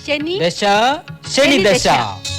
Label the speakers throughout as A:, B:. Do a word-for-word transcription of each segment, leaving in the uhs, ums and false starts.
A: ശനി
B: ദശ ശനി ദശ.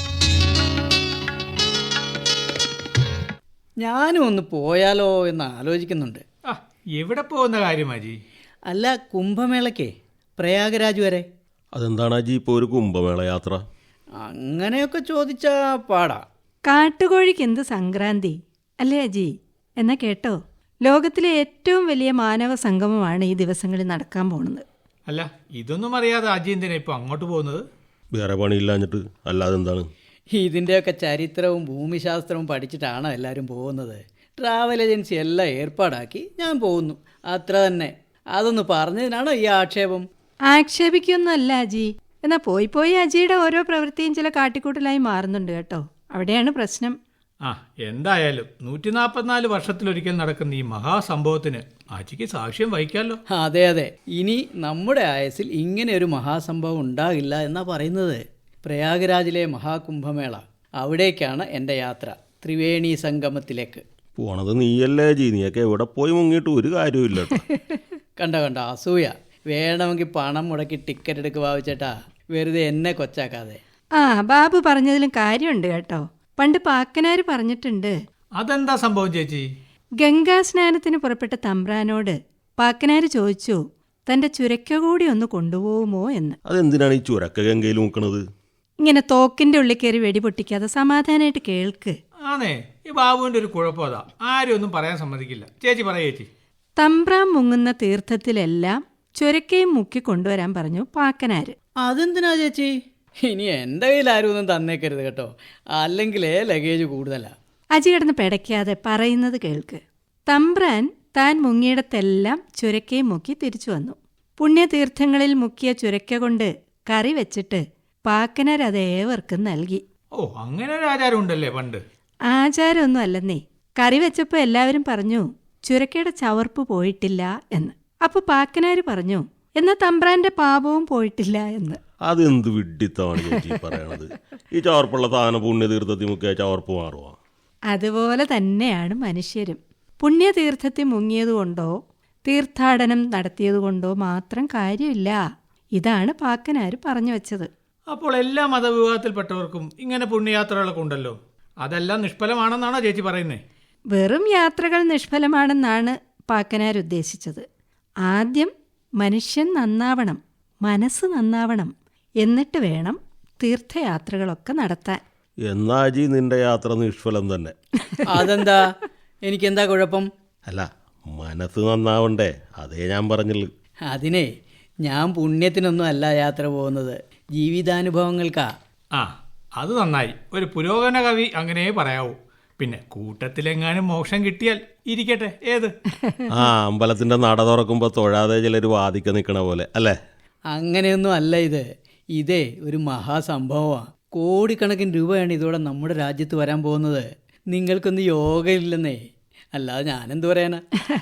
C: ഞാനും ഒന്ന് പോയാലോ എന്ന് ആലോചിക്കുന്നുണ്ട്.
D: ആ, എവിടെ പോകുന്ന കാര്യം അജി?
C: അല്ല, കുംഭമേളയ്ക്കേ പ്രയാഗരാജ് വരെ.
E: അതെന്താണ് അജി ഇപ്പോൾ ഒരു കുംഭമേള യാത്ര?
C: അങ്ങനെയൊക്കെ ചോദിച്ചാ പാടാ.
A: കാട്ടുകോഴിക്ക് എന്ത് സംക്രാന്തി അല്ലേ അജി? എന്നാ കേട്ടോ, ലോകത്തിലെ ഏറ്റവും വലിയ മാനവ സംഗമമാണ് ഈ ദിവസങ്ങളിൽ നടക്കാൻ പോകുന്നത്.
D: അല്ല, ഇതൊന്നും അറിയാതെ അജി എന്തിനാ ഇപ്പൊ അങ്ങോട്ട് പോകുന്നത്?
E: വേറെ പണിയില്ലാഞ്ഞിട്ട്. അല്ലാതെ എന്താണ്?
C: ഇതിൻ്റെയൊക്കെ ചരിത്രവും ഭൂമിശാസ്ത്രവും പഠിച്ചിട്ടാണ് എല്ലാവരും പോകുന്നത്. ട്രാവൽ ഏജൻസി എല്ലാം ഏർപ്പാടാക്കി ഞാൻ പോകുന്നു, അത്ര തന്നെ. അതൊന്ന് പറഞ്ഞതിനാണോ ഈ ആക്ഷേപം?
A: ആക്ഷേപിക്കൊന്നുമല്ല അജി. എന്നാ പോയി പോയി അജിയുടെ ഓരോ പ്രവൃത്തിയും ചില കാട്ടിക്കൂട്ടലായി മാറുന്നുണ്ട് കേട്ടോ. അവിടെയാണ് പ്രശ്നം.
D: ആ, എന്തായാലും നൂറ്റി നാൽപ്പത്തിനാല് വർഷത്തിലൊരിക്കൽ നടക്കുന്ന ഈ മഹാസംഭവത്തിന് അജിക്ക് സാക്ഷ്യം വഹിക്കാമല്ലോ.
C: അതെ അതെ, ഇനി നമ്മുടെ ആയസിൽ ഇങ്ങനെ ഒരു മഹാസംഭവം ഉണ്ടാകില്ല എന്നാ പറയുന്നത്. പ്രയാഗരാജിലെ മഹാകുംഭമേള, അവിടേക്കാണ് എൻ്റെ യാത്ര, ത്രിവേണി സംഗമത്തിലേക്ക്.
E: പോണത് നീയല്ലേ ജി? നീയൊക്കെ എവിടെ പോയി മുങ്ങിയിട്ട് ഒരു കാര്യമില്ല.
C: കണ്ട കണ്ട അസൂയ. വേണമെങ്കിൽ പണം മുടക്കി ടിക്കറ്റ് എടുക്കുക ഭാവിച്ചേട്ടാ, വെറുതെ എന്നെ കൊച്ചാക്കാതെ.
A: ആ, ബാബു പറഞ്ഞതിലും കാര്യമുണ്ട് കേട്ടോ. പണ്ട് പാക്കനാര് പറഞ്ഞിട്ടുണ്ട്.
D: അതെന്താ സംഭവം ചേച്ചി?
A: ഗംഗാസ്നാനത്തിന് പുറപ്പെട്ട തമ്പ്രാനോട് പാക്കനാര് ചോദിച്ചു തന്റെ ചുരക്ക കൂടി ഒന്ന് കൊണ്ടുപോകുമോ എന്ന്.
E: അതെന്തിനാണ് ഈ ചുരക്ക ഗംഗയിൽ മുക്കണത്?
A: ഇങ്ങനെ തോക്കിന്റെ ഉള്ളിൽ കയറി വെടി പൊട്ടിക്കാതെ സമാധാനമായിട്ട് കേൾക്ക്.
D: ആണേ, ഈ ബാബുവിന്റെ ഒരു കുഴപ്പം അതാ, ആരും ഒന്നും പറയാൻ സമ്മതിക്കില്ല. ചേച്ചി പറ ചേച്ചി.
A: തമ്പ്രാൻ മുങ്ങുന്ന തീർത്ഥത്തിലെല്ലാം ചുരക്കയും മുക്കി കൊണ്ടുവരാൻ പറഞ്ഞു പാക്കനാര്.
C: അതെന്തിനാ ചേച്ചി? ഇനി എൻ്റെ കയ്യിൽ ആരും ഒന്നും തന്നേക്കരുത് കേട്ടോ, അല്ലെങ്കിലേ ലഗേജ് കൂടുതലാ.
A: അജി കിടന്ന് പെടയ്ക്കാതെ പറയുന്നത് കേൾക്ക്. തമ്പ്രാൻ താൻ മുങ്ങിയിടത്തെല്ലാം ചുരക്കയും മുക്കി തിരിച്ചു വന്നു. പുണ്യതീർത്ഥങ്ങളിൽ മുക്കിയ ചുരക്ക കൊണ്ട് കറി വെച്ചിട്ട് പാക്കനാർ അത് ഏവർക്കും നൽകി.
D: ഓ, അങ്ങനെ ഒരു ആചാരം ഉണ്ടല്ലേ പണ്ട്?
A: ആചാരമൊന്നും അല്ലെന്നേ. കറി വെച്ചപ്പോൾ എല്ലാവരും പറഞ്ഞു ചുരക്കയുടെ ചവർപ്പ് പോയിട്ടില്ല എന്ന്. അപ്പൊ പാക്കനാര് പറഞ്ഞു എന്നാ തമ്പ്രാന്റെ പാപവും പോയിട്ടില്ല എന്ന്.
E: അതെന്ത് വിഡ്ഢിത്തമാണ് ചേച്ചി പറയണത്? ഈ ചവർപ്പുള്ള സാധനം പുണ്യതീർത്ഥത്തിൽ മുക്കിയ ചവർപ്പ് മാറുവാ?
A: അതുപോലെ തന്നെയാണ് മനുഷ്യരും. പുണ്യതീർത്ഥത്തിൽ മുങ്ങിയതുകൊണ്ടോ തീർത്ഥാടനം നടത്തിയതുകൊണ്ടോ മാത്രം കാര്യമില്ല. ഇതാണ് പാക്കനാര് പറഞ്ഞു വെച്ചത്.
D: അപ്പോൾ എല്ലാ മതവിഭാഗത്തിൽപ്പെട്ടവർക്കും ഇങ്ങനെ പുണ്യയാത്രകളൊക്കെ ഉണ്ടല്ലോ, അതെല്ലാം നിഷ്ഫലമാണെന്നാണോ ചേച്ചി പറയുന്നേ?
A: വെറും യാത്രകൾ നിഷ്ഫലമാണെന്നാണ് പാക്കനാർ ഉദ്ദേശിച്ചത്. ആദ്യം മനുഷ്യൻ നന്നാവണം, മനസ്സ് നന്നാവണം, എന്നിട്ട് വേണം തീർത്ഥയാത്രകളൊക്കെ നടത്താൻ.
E: എന്നാ ജി നിന്റെ യാത്ര നിഷ്ഫലം തന്നെ.
C: അതെന്താ? എനിക്കെന്താ കുഴപ്പം?
E: അല്ല, മനസ്സ് നന്നാവണ്ടേ, അതേ ഞാൻ പറഞ്ഞുള്ളൂ.
C: അതിനെ ഞാൻ പുണ്യത്തിനൊന്നും അല്ല യാത്ര പോകുന്നത്, ജീവിതാനുഭവങ്ങൾക്കാ.
D: ആ, അത് നന്നായി. ഒരു പുരോഗമന കവി അങ്ങനെ പറയാവൂ. പിന്നെ കൂട്ടത്തിലെങ്ങാനും മോക്ഷം കിട്ടിയാൽ ഇരിക്കട്ടെ, ഏത്?
E: ആ, അമ്പലത്തിന്റെ നട തുറക്കുമ്പോ തൊഴാതെ ചിലർ വാദിക്ക നിൽക്കണ പോലെ അല്ലേ?
C: അങ്ങനെയൊന്നും അല്ല ഇത്. ഇതേ ഒരു മഹാസംഭവമാണ്. കോടിക്കണക്കിന് രൂപയാണ് ഇതോടെ നമ്മുടെ രാജ്യത്ത് വരാൻ പോകുന്നത്. നിങ്ങൾക്കൊന്നും യോഗയില്ലെന്നേ. അല്ലാതെ ഞാനെന്ത് പറയാനാ?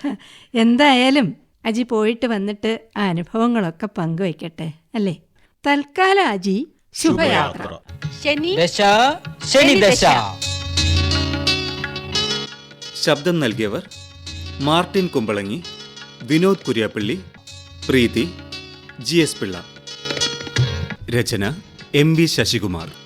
A: എന്തായാലും അജി പോയിട്ട് വന്നിട്ട് ആ അനുഭവങ്ങളൊക്കെ പങ്കുവയ്ക്കട്ടെ അല്ലേ? തൽക്കാലം അജി ശുഭയാത്ര.
B: ശനി ദശ ശനി ദശ.
F: ശബ്ദം നൽകിയവർ മാർട്ടിൻ കുമ്പളങ്ങി, വിനോദ് കുര്യാപ്പള്ളി, പ്രീതി, ജി എസ് പിള്ള. രചന എം വി ശശികുമാർ.